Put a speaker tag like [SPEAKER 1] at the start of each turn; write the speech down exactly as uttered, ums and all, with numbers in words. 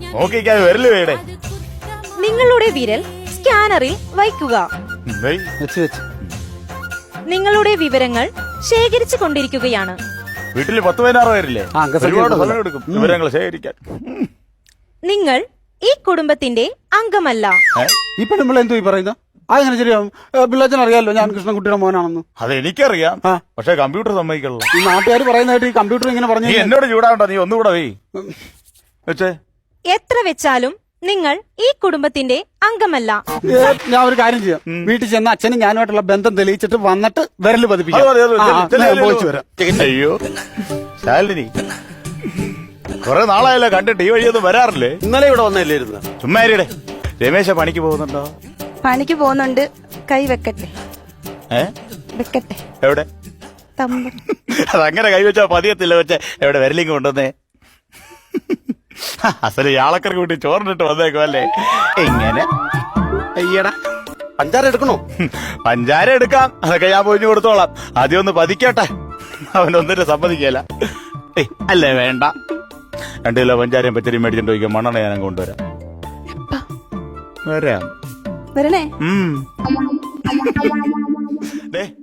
[SPEAKER 1] നോക്കിക്കാതെ വിരല് വേടേ.
[SPEAKER 2] നിങ്ങളുടെ വിരൽ സ്കാനറിൽ വയ്ക്കുക.
[SPEAKER 3] വെച്ച് വെച്ച്
[SPEAKER 2] നിങ്ങളുടെ വിവരങ്ങൾ ശേഖരിച്ചു കൊണ്ടിരിക്കുകയാണ്.
[SPEAKER 1] വീട്ടില് പത്ത് പതിനാറ് പേരില്ലേ?
[SPEAKER 3] ആ, അംഗസംഖ്യ
[SPEAKER 1] ഒരുപാട്
[SPEAKER 3] കൂടുതലാ.
[SPEAKER 1] സമയം എടുക്കും വിവരങ്ങൾ ശേഖരിക്കാൻ.
[SPEAKER 2] നിങ്ങൾ ഈ കുടുംബത്തിന്റെ അംഗമല്ല.
[SPEAKER 1] ഏ?
[SPEAKER 3] ഈ പെണ്ണുമ്പോൾ എന്തോ ഈ പറയുന്ന അതെങ്ങനെ ശരിയാവും? പിള്ളേച്ചൻ അറിയാലോ ഞാൻ കൃഷ്ണൻകുട്ടിയുടെ മോനാണെന്ന്.
[SPEAKER 1] അത് എനിക്കറിയാം,
[SPEAKER 3] ആ.
[SPEAKER 1] പക്ഷെ കമ്പ്യൂട്ടർ സമ്മതിക്കണല്ലോ.
[SPEAKER 3] ഈ നാട്ടുകാർ പറയുന്നതായിട്ട് ഈ കമ്പ്യൂട്ടർ ഇങ്ങനെ പറഞ്ഞു.
[SPEAKER 1] നീ എന്നോട് ചൂടാവണ്ട, നീ ഒന്നുകൂടെ വേ വെച്ചേ.
[SPEAKER 2] എത്ര വെച്ചാലും നിങ്ങൾ ഈ കുടുംബത്തിന്റെ അംഗമല്ല.
[SPEAKER 3] ഞാൻ ഒരു കാര്യം ചെയ്യാം, വീട്ടിൽ ചെന്ന് അച്ഛനും ഞാനുമായിട്ടുള്ള ബന്ധം തെളിയിച്ചിട്ട് വന്നിട്ട് വിരല്
[SPEAKER 1] അത്
[SPEAKER 3] പതിപ്പിക്കാം.
[SPEAKER 1] മതി, അത് മതി.
[SPEAKER 3] ആ,
[SPEAKER 1] ചെല്ല്,
[SPEAKER 3] ഞാൻ
[SPEAKER 1] ചെല്ല്,
[SPEAKER 3] പോയിച്ചു
[SPEAKER 1] ചെല്ല്.
[SPEAKER 3] വരാം.
[SPEAKER 1] അയ്യോ ശാലിനി, കൊറേ നാളായല്ലോ കണ്ടിട്ട്, ഈ വഴിയൊന്നും വരാറില്ലേ?
[SPEAKER 4] ഇന്നലെ ഇവിടെ വന്നല്ലേ ഇരുന്ന്?
[SPEAKER 1] ചുമ്മാരിയുടെ രമേശ പണിക്ക് പോകുന്നുണ്ടോ?
[SPEAKER 5] പണിക്ക് പോകുന്നുണ്ട്. കൈ വെക്കട്ടെ
[SPEAKER 1] ഏ
[SPEAKER 5] വെക്കട്ടെ
[SPEAKER 1] എവിടെ?
[SPEAKER 5] തമ്പ
[SPEAKER 1] അതങ്ങനെ കൈവച്ചാ പതിയത്തില്ല. വെച്ച എവിടെ വിരലിങ് കൊണ്ടുവന്നേ? അസല് യാളക്കറി കൂട്ടി ചോറിനിട്ട് വന്നേക്കും അല്ലേ? എങ്ങനെ?
[SPEAKER 4] അയ്യടാ, പഞ്ചാര എടുക്കണോ?
[SPEAKER 1] പഞ്ചാര എടുക്കാം, അതൊക്കെ ഞാൻ പൊഞ്ഞു കൊടുത്തോളാം. ആദ്യം ഒന്ന് പതിക്കട്ടെ, അവനൊന്നിട്ട് സമ്മതിക്കല. ഏയ് അല്ലേ വേണ്ട, രണ്ടു കിലോ പഞ്ചാരയും പച്ചരിയും മേടിച്ചിട്ട് ചോദിക്കാം. മണ്ണെണ്ണ ഞാൻ കൊണ്ടുവരാം. വരാം.
[SPEAKER 5] വരണേ.
[SPEAKER 1] ഉം. ദേ